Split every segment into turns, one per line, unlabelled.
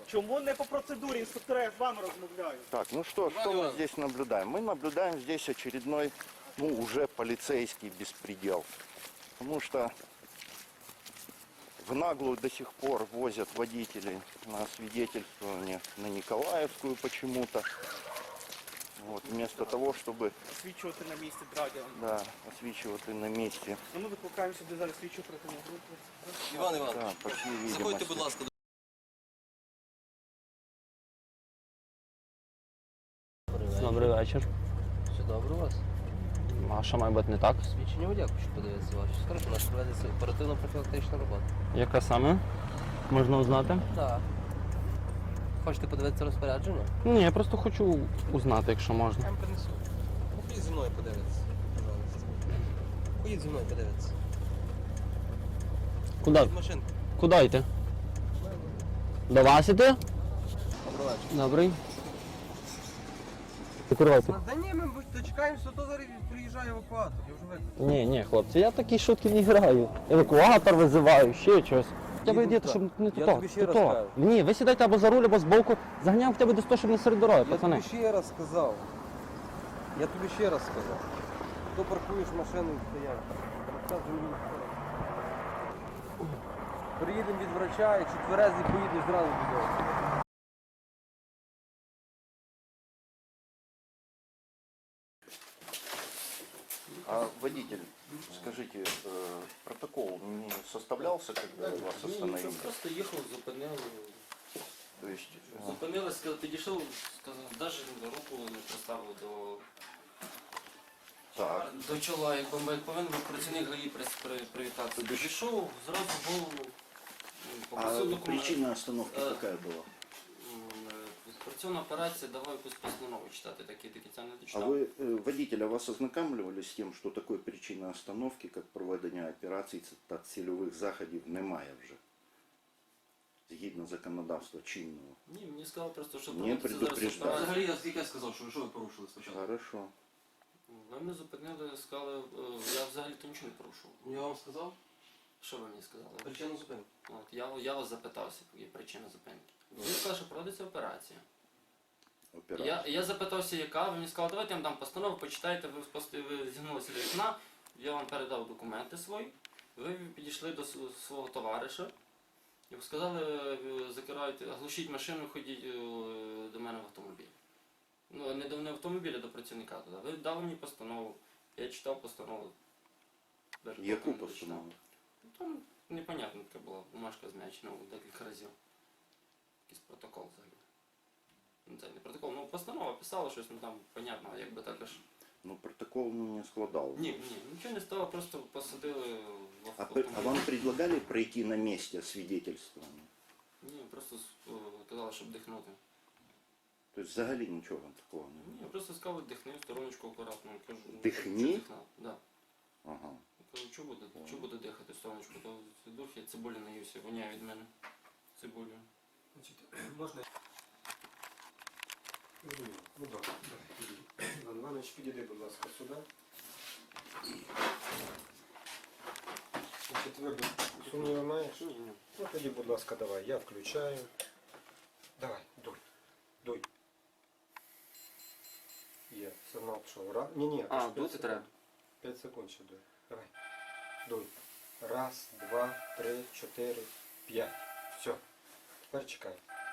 Чому не по процедурі, інструктора, я з вами розмовляю?
Так, ну что мы здесь наблюдаем? Мы наблюдаем здесь очередной, ну, уже полицейский беспредел. Потому что в наглую до сих пор возят водителей на освидетельствование на Николаевскую почему-то. Вот, вместо того, чтобы
Освічувати на місці драгера.
да, освічувати на месте.
Ну, ми викликаємо сюди зараз слідчу оперативну групу.
Іван Іванович,
Да, по всей
заходьте,
видимости.
будь ласка.
Добрий вечір.
Все добре у вас?
А що має бути не так?
Свідчення водія хочу подивитися ваші. Скажіть, у нас проведеться оперативно-профілактична робота.
Яка саме? Можна узнати?
Так. Хочете подивитися розпорядження?
Ні, я просто хочу узнати, якщо можна.
Я вам принесу. Поїдь зі мною подивитися, пожалуйста. Поїдь зі мною подивитися.
Куди?
Від машинки.
Куди йти? До вас іти?
Добрий вечір.
Добрий. Закривайте.
Та ні, ми дочекаємося, то зараз приїжджає евакуатор, я вже викликав.
Ні, хлопці, я такі шутки не граю. Евакуатор визиваю, ще щось. Хоча б йдете, щоб не
Я
то.
тобі ще раз кажу.
Ні, ви сідайте або за руль, або збоку. Заганяємо хоча б до 100, щоб не серед дороги,
Я
пацани.
тобі ще раз сказав. То паркуєш машину і стоянку. Приїдемо від врача, якщо тверезий поїдеш зразу додому.
А водитель, скажите, протокол не составлялся, когда вас остановили?
Просто їхав, зупинили.
То есть,
Зупинили, підійшов, сказав, навіть руку не приставив
так,
до чола, як повинен був працівник ГАІ привітатися. Підійшов, зразу голову, попросив документи.
причина остановки какая была?
Працівна операція, давай якусь постанову читати, такі це не
А
дочитав.
вы, водитель, а вас ознакомлювали с тем, что такое причина остановки, как проведення операцій та цільових заходів немає вже? Згідно законодавства чинного.
Ні, мені сказали просто, що
Не
проводиться зараз
предупреждали.
операція.
Взагалі, я тільки сказав, що ви порушили спочатку.
Хорошо.
Ви мене зупинили, сказали, я взагалі-то нічого не порушував.
Я вам сказав
Що ви мені сказали?
причину зупинки.
От, я вас запитався, є причина зупинки. Він сказав, що проводиться операція. Я запитався, яка, ви мені сказали, давайте я вам дам постанову, почитайте, ви зігнулися до вікна, я вам передав документи свої, ви підійшли до свого товариша і сказали, закирайте, глушіть машину, ходіть до мене в автомобіль. Ну, не до автомобіля, до працівника туди. Ви дали мені постанову, я читав постанову.
Яку постанову?
Там непонятно така була, бумажка зм'ячена декілька разів. Якийсь протокол взагалі. Ну, це не протокол, ну постанова писала щось, ну там понятно, якби також.
Ну протокол не складав.
Ні, нічого не стало, просто посадили в
А
автомобіль.
вам предлагали пройти на месте свидетельствование?
Ні, просто казали, щоб дихнути.
То есть взагалі нічого такого не
Ні,
було?
просто сказали, дихни в стороночку акуратно. Кажу,
Дихні?
«Чого дихнув?» Да.
Ага.
Кажу, чого буде дихати в стороночку, то дух, я цибулі наївся, воняє від мене цибулю.
Можна? Ну добре. Іван Іванович, підійди, будь ласка, сюди. Твердо сумніви маєш? Ну тоді, будь ласка, давай, я включаю. Давай, дуй. Є, сигнал пішов. Ні,
А, дути треба?
5 секунд ще дуй. Давай. Дуй. 1, 2, 3, 4, 5. Все. Тепер чекай.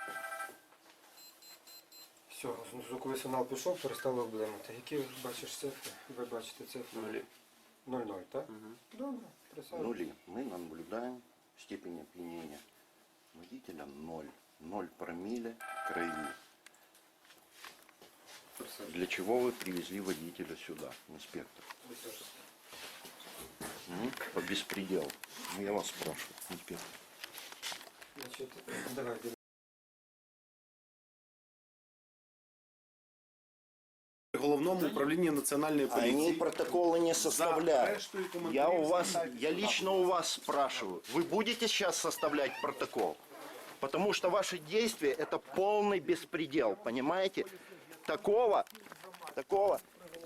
Все, звуковий сигнал пішов, перестало облимати. Які бачиш цифри? Ви бачите цифри? 0,0, так? Добре, присаджуйся.
Нули. Мы наблюдаем степень опьянения водителя 0. 0 промилле крови. Для чего вы привезли водителя сюда, инспектор? По беспределу. Ну, я вас спрашиваю, инспектор.
Значить, давай,
Головному управлінні національної
Они
поліції.
протоколы не составляют.
рештою коментарів
Я лично у вас спрашиваю, вы будете сейчас составлять протокол? Потому что ваши действия это полный беспредел, понимаете? Такого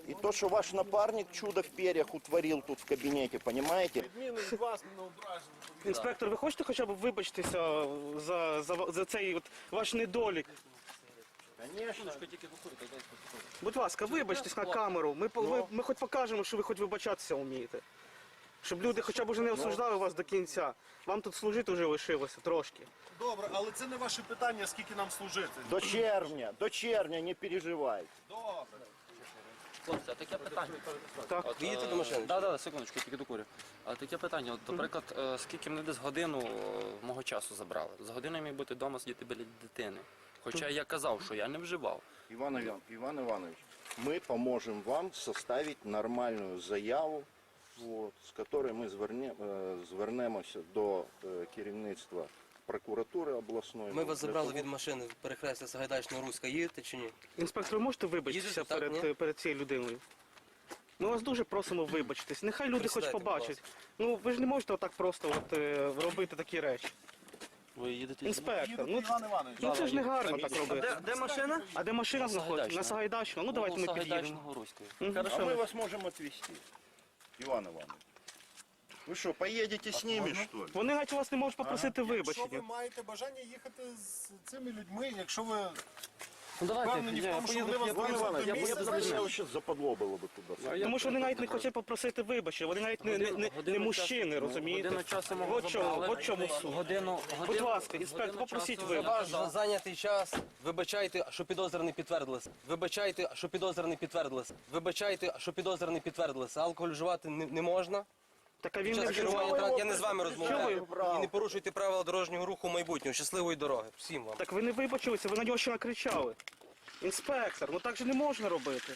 И то, что ваш напарник чудо в перьях утворил тут в кабинете, понимаете?
Інспектор, ви хочете хоча б вибачитися за цей от ваш недолік?
Конечно.
Будь ласка, вибачтесь на камеру. Ми хоч покажемо, що ви хоч вибачатися вмієте. Щоб люди хоча б уже не осуждали вас до кінця. Вам тут служити вже лишилося трошки.
Добре, але це не ваше питання, скільки нам служити.
До червня, не переживайте.
Хлопці, а таке питання.
Так.
Ви їдете до машини?
Да, секундочку, тільки докурю. А таке питання, от, наприклад, скільки мене десь годину мого часу забрали? З години я міг бути вдома сидіти біля дитини. Хоча я казав, що я не вживав.
Иван Иванович, мы поможем вам составить нормальную заяву, вот, з которой ми звернемося до керівництва прокуратури обласної.
Ми вас
для
забрали
того,
від машини в перехрестя Сагайдачного-Руська. Їдете чи ні?
Інспектор, ви можете вибачитися
Їдете, так, ні?
перед цією людиною? Ми вас дуже просимо вибачитись. Нехай люди хоч
Присідайте, будь
побачать. Ну ви ж не можете отак просто робити такі речі.
Ви їдете?
Інспектор,
Іван Іванович.
ну це ж не гарно так робити.
Де машина?
А де машина знаходиться? На Сагайдачну. Ну давайте ми під'їдемо.
Руської.
А
Хорошо.
мы вас можем отвезти. Иван Иванович. Вы что, поедете с ними, что ли?
Вони навіть у вас не можуть попросити
Якщо ви
вибачення.
маєте бажання їхати з цими людьми, якщо ви
Ну давайте,
впевнені в тому, що вони вас
Иван
довезуть
Иванович,
до
я
місця, значить,
вообще западло было бы туда.
Тому що вони навіть не хочуть попросити вибачення, вони навіть не мужчини, розумієте?
Годину часу мого
От чому суть. Будь ласка, інспектор, попросіть вибачення.
За зайнятий час вибачайте, що підозрюваний підтвердилися. Вибачайте, що підозрюваний підтвердилися. Вибачайте, що підозрюваний підтвердилися. Алкоголь вживати не можна.
Так а він
Під
не
час керування
вживав.
транспорту. Я не з вами розмовляю.
Чого ви?
І не порушуйте правила дорожнього руху в майбутньому. Щасливої дороги. Всім вам.
Так ви не вибачилися, ви на нього ще накричали. Інспектор, ну так же не можна робити.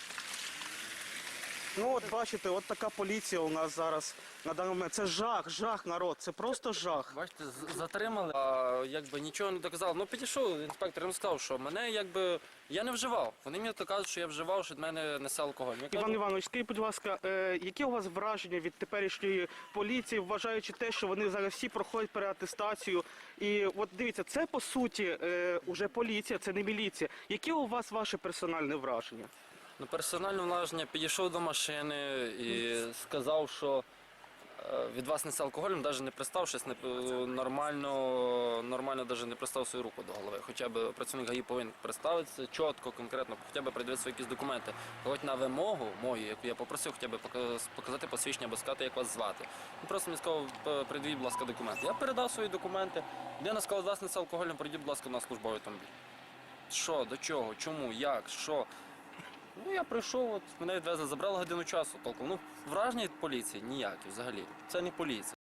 Ну от бачите, от така поліція у нас зараз на даний момент. Це жах, народ, це просто жах.
Бачите, затримали, а якби нічого не доказав. Ну підійшов інспектор, він сказав, що мене якби я не вживав. Вони мені то кажуть, що я вживав, що від мене несе алкоголь. Я
Іван
кажу,
Іванович, скажіть, будь ласка, які у вас враження від теперішньої поліції, вважаючи те, що вони зараз всі проходять переатестацію? І от дивіться, це по суті уже поліція, це не міліція. Які у вас ваше персональне враження?
ну, персональне враження, підійшов до машини і сказав, що від вас несе алкоголем, навіть не представшись, нормально навіть не пристав свою руку до голови. Хоча б працівник ГАІ повинен представитися чітко, конкретно, хоча б придивити свої якісь документи. Хоч на вимогу мою, яку я попросив, хоча б показати посвідчення, або сказати, як вас звати. Він просто мені сказав, придивіть, будь ласка, документи. Я передав свої документи. Людина сказала, від вас несе алкоголем, прийдіть, будь ласка, на службовий автомобіль. Що, до чого, чому, як, що? Ну, я прийшов, от, мене відвезли, забрали годину часу толком. Ну, враження від поліції ніякі взагалі. Це не поліція.